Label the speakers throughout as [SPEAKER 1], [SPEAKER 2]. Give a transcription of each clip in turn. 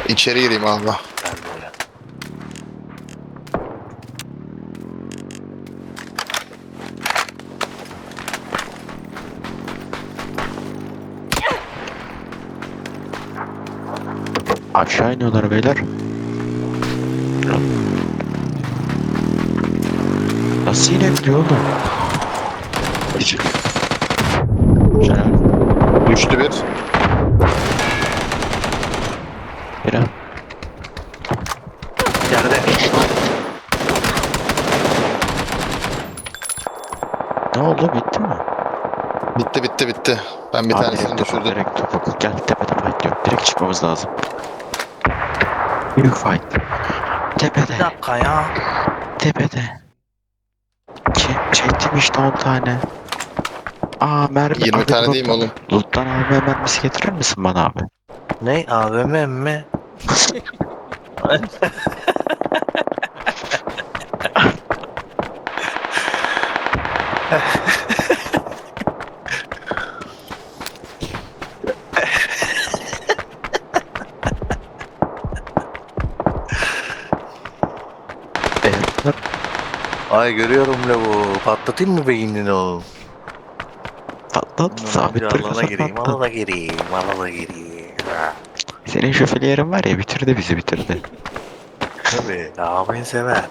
[SPEAKER 1] İçeri gireyim abi.
[SPEAKER 2] Gel böyle.
[SPEAKER 3] Aşağı iniyorlar beyler. Nasıl inebiliyor oğlum? Güzel.
[SPEAKER 1] Düştü bir.
[SPEAKER 3] Bira.
[SPEAKER 2] Yerde.
[SPEAKER 3] Ne oldu, bitti mi?
[SPEAKER 1] Bitti bitti bitti. Ben bir
[SPEAKER 3] Abi
[SPEAKER 1] tanesini
[SPEAKER 3] direkt topuk,
[SPEAKER 1] düşürdüm.
[SPEAKER 3] direkt topuk. Gel tepede fight yok. Direkt çıkmamız lazım. Büyük fight. Tepede.
[SPEAKER 2] Bir dakika ya.
[SPEAKER 3] Tepede. Çektim işte 10 tane. Aa, mermi
[SPEAKER 1] 20
[SPEAKER 3] abi,
[SPEAKER 1] tane değil mi
[SPEAKER 3] drop'tan.
[SPEAKER 1] oğlum?
[SPEAKER 3] Loot'tan AVM mermisi getirir misin bana abi?
[SPEAKER 2] Ne? AVM mi?
[SPEAKER 3] Eğer
[SPEAKER 2] Ay görüyorum lavuğu. Patlatayım mı beynini oğlum?
[SPEAKER 3] patlat,
[SPEAKER 2] Ondan önce
[SPEAKER 3] sabit
[SPEAKER 2] alana
[SPEAKER 3] duruyorsa
[SPEAKER 2] gireyim,
[SPEAKER 3] patlat.
[SPEAKER 2] alana gireyim, alana gireyim. Ha.
[SPEAKER 3] Senin şoförü yerin var ya, bitirdi bizi, bitirdi.
[SPEAKER 2] Tabii, ağabeyi sever.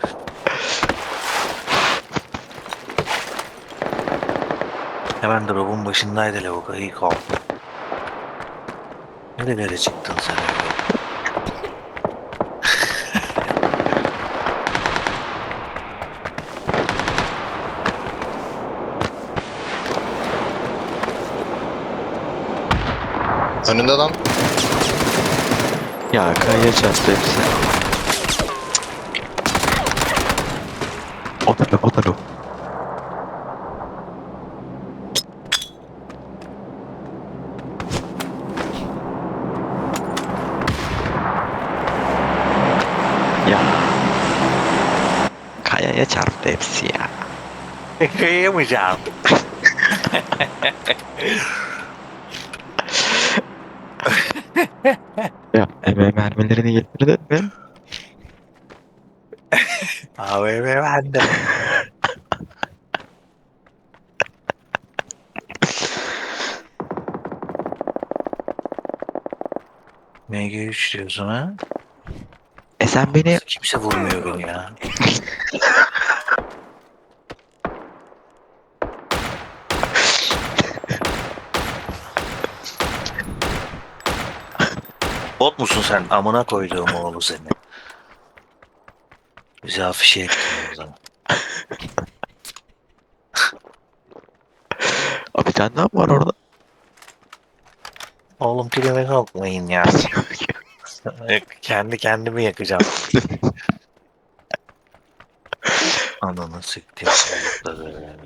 [SPEAKER 2] Hemen drop'un başındaydı lavuk, iyi kaldı. Nerelere çıktın sen öyle?
[SPEAKER 1] Önünde lan.
[SPEAKER 3] Ya kayaya çarptı hepsi. O da lo, o da lo. Ya kayaya çarptı hepsi ya.
[SPEAKER 2] Kıyamayacağım.
[SPEAKER 3] Ya eve mermilerini getirdin mi?
[SPEAKER 2] AVM bende. MG3 diyorsun ha?
[SPEAKER 3] Sen beni
[SPEAKER 2] Nasıl kimse vurmuyor beni ya. Bot musun sen? Amına koyduğum oğlu seni. Bizi afişe ettin o zaman.
[SPEAKER 3] bir tane daha mı var orada?
[SPEAKER 2] Oğlum kilime sokmayın ya. Kendi kendimi yakacağım. Ananı siktim çocukları.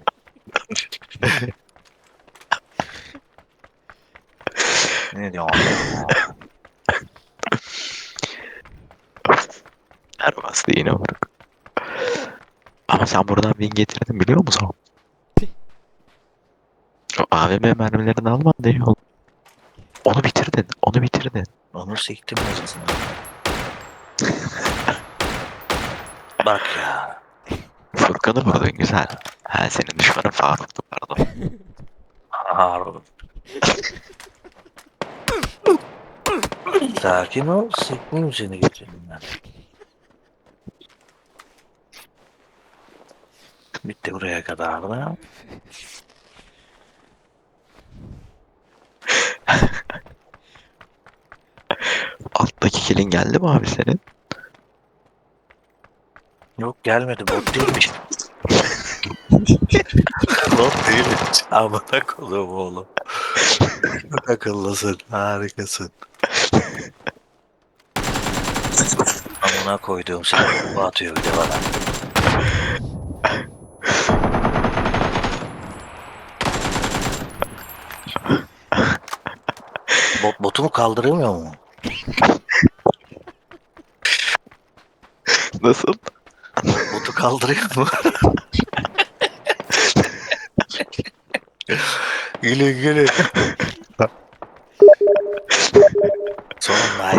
[SPEAKER 2] Ne diyorsun ya?
[SPEAKER 3] Her bastı yine vuruk. Ama sen buradan bin getirdin biliyor musun? O AVM mermilerini almadın ya. Onu bitirdin. Onu bitirdin.
[SPEAKER 2] Onu siktim acısını. Bak ya.
[SPEAKER 3] Furkan'ı vurdun güzel. Ha, senin düşmanın Faruk'tu, pardon.
[SPEAKER 2] Harun. Sakin ol. Sikmeyeyim seni götürümden. Bitti buraya kadar da.
[SPEAKER 3] Alttaki kilin geldi mi abi senin?
[SPEAKER 2] Yok gelmedi. Bot değilmiş. Bot değilmiş. Amına koyduğum oğlum. Çok akıllısın. Harikasın. Amına koyduğum seni. Bu atıyor bir de bana. Botumu kaldıramıyor mu?
[SPEAKER 3] Nasıl?
[SPEAKER 2] Botu kaldırıyor mu? Gülün gülün.